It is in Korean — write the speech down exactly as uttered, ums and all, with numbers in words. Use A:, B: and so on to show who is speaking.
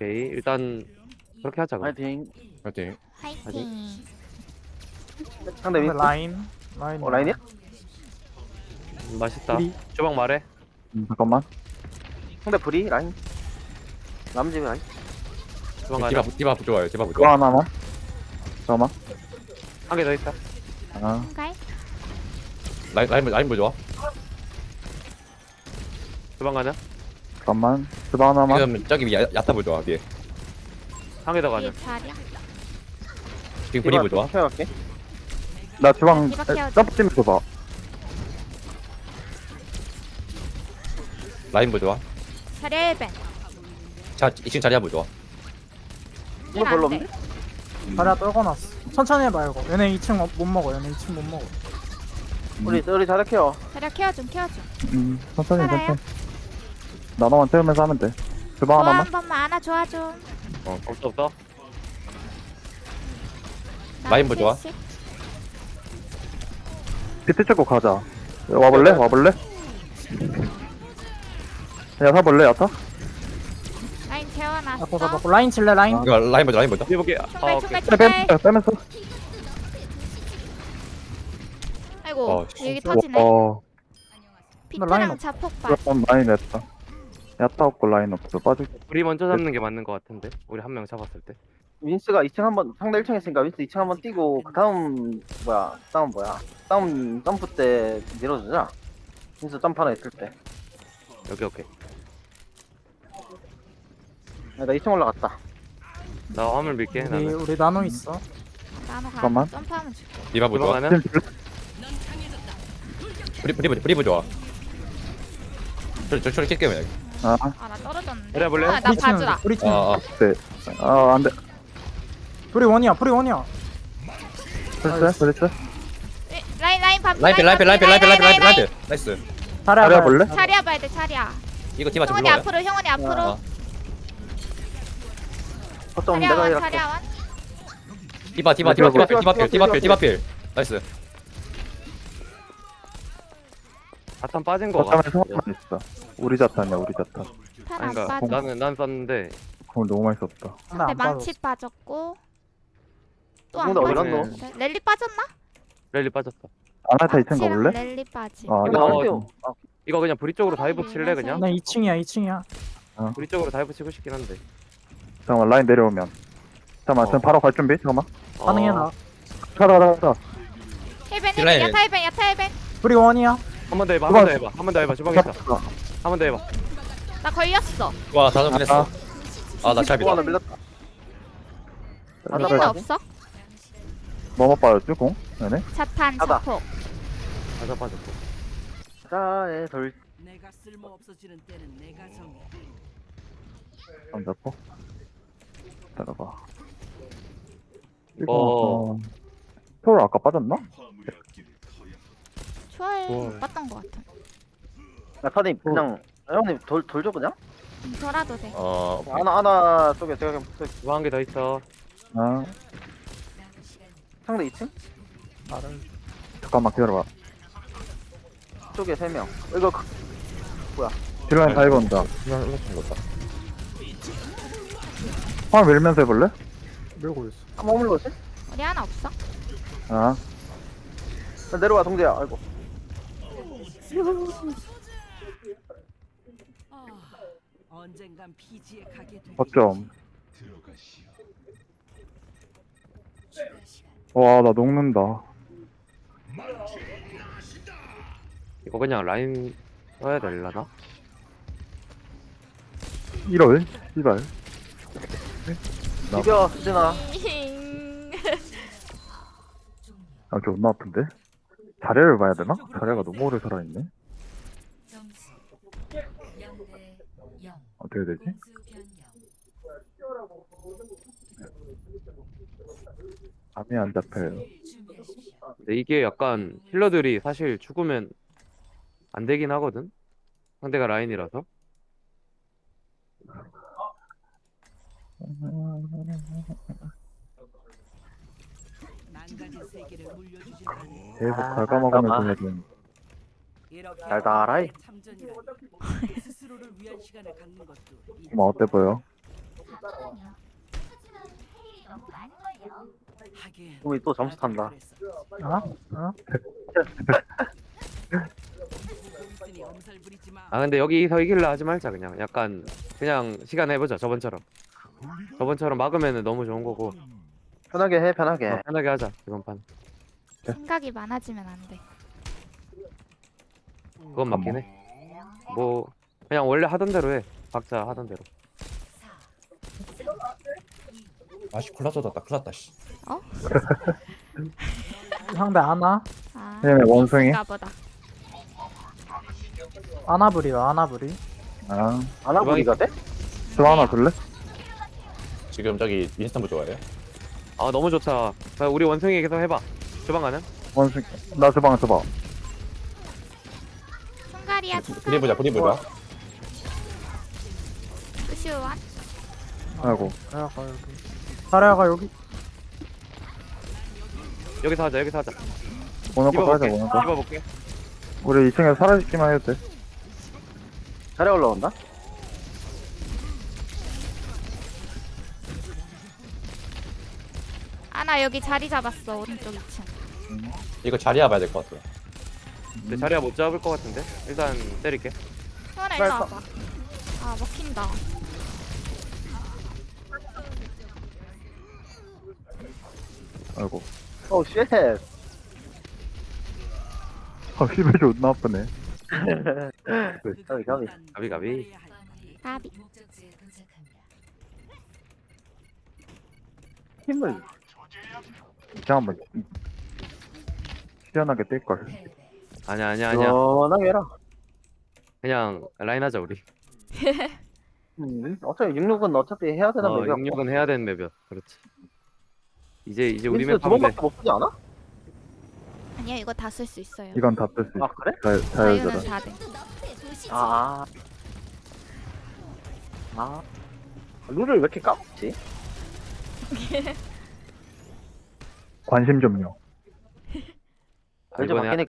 A: 오케이 일단 그렇게 하자 그럼.
B: 파이팅.
C: 파이팅.
D: 화이팅.
B: 상대 윈스.
E: 라인 라인
B: 어, 라인이야?
A: 음, 맛있다.
E: 우리
A: 주방 말해.
F: 음, 잠깐만.
B: 상대 브리 라인. 남집 라인.
A: 주방 가자.
C: 디바 디바 좋아요. 디바
F: 그거
C: 좋아.
F: 하나만. 잠깐만.
A: 한 개 더 있다.
F: 아,
D: 갈.
C: 라인 라인 라인 보 좋아.
A: 주방 가자.
F: 잠깐만. 스바 하나만.
C: 지금 저기 위 야- 야타 보 좋아 위에.
A: 한 개 더 가자.
D: 뒤에 자리야.
C: 지금 브리 보 좋아.
B: 키워갈게.
F: 나 주방
D: 디바 케어줘.
F: 점프 좀 줘봐.
C: 라인 보 좋아.
D: 자리 일 벤.
C: 자 이 층 자리야 보 좋아.
B: 이거 별로 없네.
E: 자리야 떨궈놨어. 천천히 해봐 이거. 얘네 이 층 못 먹어. 얘네 이 층 못 먹어.
B: 우리 우리 자리 키워.
D: 자리 케어 좀 케어 좀.
F: 음, 천천히,
D: 살아요?
F: 천천히. 나눠만 태우면서 하면 돼. 스바
D: 좋아
F: 하나만.
D: 한 번만 안아 좋아 좀.
A: 어 없어 없어.
C: 라인 보 좋아.
D: 칠십.
F: 비트 찍고 가자. 와볼래? 와볼래? 야, 사볼래, 야타?
D: 라인 재워놨어.
E: 잡고 잡고 라인 칠래 라인.
C: 이거 라인 보자 라인 보자.
A: 해볼게. 아
D: 총갈
A: 오케이.
D: 총갈
F: 빼,
D: 총갈.
F: 빼, 빼면서.
D: 아이고
C: 어,
D: 여기
C: 진짜.
D: 터지네.
F: 어,
E: 나 라인
D: 비트랑
E: 없-
D: 자폭발.
F: 그럼 라인 냈다. 야타 없고 라인 없어. 빠질.
A: 우리 먼저 잡는 게 맞는 것 같은데. 우리 한 명 잡았을 때.
B: 윈스가 이 층 한번 상대 일 층 했으니까 윈스 이 층 한번 뛰고 그 다음 뭐야? 다음 뭐야? 다음 점프 때 밀어주자. 윈스 점프 하나 있을 때.
A: 여기 오케이.
B: 야, 나 이 층 올라갔다.
A: 나 화물 밀게.
E: 우리
A: 나는.
E: 우리 나노 있어.
D: 나노 가.
F: 잠깐만.
D: 점프하면 줄게.
C: 디바 보
A: 주방
C: 좋아.
A: 가자.
F: 지금
C: 브리 브리 보 브리 보 좋아. 저저 저리 킬게요 그냥.
F: 아,
D: 아나 떨어졌는데.
A: 그래, 볼래?
D: 아, 나
E: 우리 층,
D: 봐주라.
E: 우리 층.
C: 아, 아.
F: 네. 아, 안 돼.
E: 불이 원이야. 불이 원이야.
F: 그렇지, 그렇지.
D: 에, 라인 라인 반.
C: 라인 필 라인 필 라인 필 라인 필 라인 필 라인 필 라인 필. 나이스.
E: 자리야
F: 자리야
E: 봐야
F: 볼래?
E: 돼.
D: 차리야 봐야 돼 차리야.
C: 이거 디바 좀
D: 형원이
C: 불러요.
D: 앞으로 형원이 앞으로.
C: 아.
B: 거점
D: 차리야
B: 내가
D: 원
B: 이렇게.
D: 차리야 원.
C: 디바 디바 디바 디바 필 디바 필 디바 필 디바 필. 나이스.
A: 자탄 빠진 거 같아.
F: 자탄에 성만 있어. 우리 자탄이야, 우리 자탄.
D: 탈안
A: 아니 그러니까
D: 빠져.
A: 나는 난 썼는데
F: 그럼 너무 많이 썼다.
E: 근데
D: 근데
E: 안
D: 망치
E: 빠졌어.
D: 빠졌고. 또 안
B: 근데 어디
D: 빠졌는데.
B: 갔노?
D: 랠리 빠졌나?
A: 랠리 빠졌어.
F: 아나타 이 층
D: 망치랑
F: 가볼래?
D: 랠리 빠지.
F: 아,
B: 이거
A: 어,
B: 안 뛰어. 아,
A: 이거 그냥 브리 쪽으로 다이브 칠래 그냥?
E: 나 이 층이야 이 층이야.
A: 브리 쪽으로 다이브 치고 싶긴 한데.
F: 잠깐만, 라인 내려오면. 잠깐만,
A: 어.
F: 지금 바로 갈 준비? 잠깐만.
E: 가능해
A: 어,
E: 나.
F: 가자, 가자, 가자.
D: 힐벤
C: 딜라인.
D: 힐벤 야타 힐벤 야타 힐벤.
E: 불이 원이야.
A: 한 번 더 해봐. 한 번 더 해봐. 한 번 더 해봐. 주방에 있다.
F: 자,
A: 한 번 더 해봐.
D: 나 걸렸어.
C: 와 다섯 분 했어.
F: 아,
C: 아나
B: 또 하나
C: 잘
B: 밀렸다.
F: 자,
D: 힐
F: 자, 자.
D: 없어?
F: 뭐뭐 빠졌지, 공? 네네.
D: 자탄
B: 하다.
D: 자폭.
A: 가자 빠졌고.
B: 자의 돌.
G: 내가 쓸모 없어지는 때는 내가 정해.
F: 안 잡고. 따라가.
A: 어.
F: 이거, 어. 토를 아까 빠졌나?
D: 초월
A: 우와.
D: 못 봤던 것 같아.
B: 야, 타님 그냥 형님 돌 돌줘 그냥.
D: 돌아도 돼.
C: 어
B: 하나 하나 쪽에 제가 그냥 붙어 있-
A: 주방 한 개 더 있어.
F: 아,
B: 상대 이 층
F: 잠깐만 기다려봐.
B: 쪽에 세 명. 이거 그-
F: 딜라인 다 입었다.
C: 이거 이거 좀 좋다.
F: 화면 밀면서 해볼래?
E: 밀고 있어.
B: 한번 물러지?
D: 우리 하나 없어?
F: 아,
B: 내려와 동재야. 아이고.
G: 아, 언젠간 피지에 가게 될
F: 어쩜. 와, 나 녹는다.
A: 이거 그냥 라인 써야 될라나?
F: 이럴, 씨발. 나-
B: 비벼 수진아.
F: 아, 존나 아픈데? 자리를 봐야 되나? 자리가 너무 오래 살아있네. 어떻게 되지? 감이 안 잡혀요.
A: 근데 이게 약간 힐러들이 사실 죽으면 안 되긴 하거든? 상대가 라인이라서.
G: 망가진 세계를 물려주지 않는
F: 계속
B: 아,
F: 갉아먹으면서
B: 잠깐만.
F: 해야 되는.
G: 이렇게
B: 달달하이.
G: 참전이라니 스스로를 위한 시간을 갖는 것도
F: 뭐 어때 보여?
B: 우리 또 점수 탄다.
E: 어? 어?
A: 아 근데 여기서 이길라 하지 말자. 그냥 약간 그냥 시간 해보자. 저번처럼 저번처럼 막으면은 너무 좋은 거고.
B: 편하게 해, 편하게.
A: 어, 편하게 하자 이번 판.
D: 생각이 많아지면 안 돼.
A: 그건 맞긴 해. 뭐 그냥 원래 하던 대로 해. 각자 하던 대로.
C: 아씨 콜라 쏟았다 큰일 났다 씨.
E: 상대 아나?
D: 아,
F: 얘네 원숭이?
D: 인가 보다.
E: 아나브리야 아나브리.
F: 아,
B: 아나보리가 돼?
F: 저 하나 줄래?
C: 지금 저기 인스턴트 좋아해요?
A: 아 너무 좋다. 자, 우리 원숭이 계속 해봐. 주방 가는?
F: 원숭이. 나 주방 줘봐.
D: 총갈이야
C: 브리
D: 총갈.
C: 보자 브리 보자.
D: 루시우완.
F: 아이고.
E: 자리아가 여기. 자리아가 여기.
A: 여기서 하자. 여기서 하자.
F: 오늘 거 가자,
A: 입어볼게.
F: 오늘 거.
A: 입어볼게.
F: 우리 이 층에서 사라지기만 해도 돼.
B: 자리 올라온다?
D: 아나 여기 자리 잡았어 오른쪽 이 층.
C: 이거 자리야 봐야 될 것 같아.
A: 근데 자리야 못 잡을 것 같은데. 일단 때릴게.
D: 수원아 일로 와봐. 아 먹힌다.
F: 아이고.
B: 오, 쉣.
F: 아, 힙이 존나 아프네.
B: 가비, 가비.
A: 가비 가비.
D: 가비.
B: 힘을.
F: 이제 한번 시원하게 뛸걸.
A: 아니야 아니야 아니야.
B: 시원하게 해라.
A: 그냥 라인 하자 우리.
B: 음, 어차피 육육은 어차피 해야 되는
A: 어,
B: 맵이야.
A: 육육은 해야 되는 맵이야. 그렇지. 이제 이제 우리
B: 민스
A: 맵
B: 두
A: 하면 돼.
B: 번밖에 못 쓰지 않아?
D: 아니야 이거 다 쓸 수 있어요.
F: 이건 다 쓸 수
B: 아,
F: 있어.
B: 그래?
F: 자,
D: 자유는
F: 자유자라.
D: 다 돼.
B: 아. 아. 룰을 왜 이렇게 까먹지?
F: 관심 좀요.
A: 아,
B: 이제
A: 이번에
B: 바뀌니까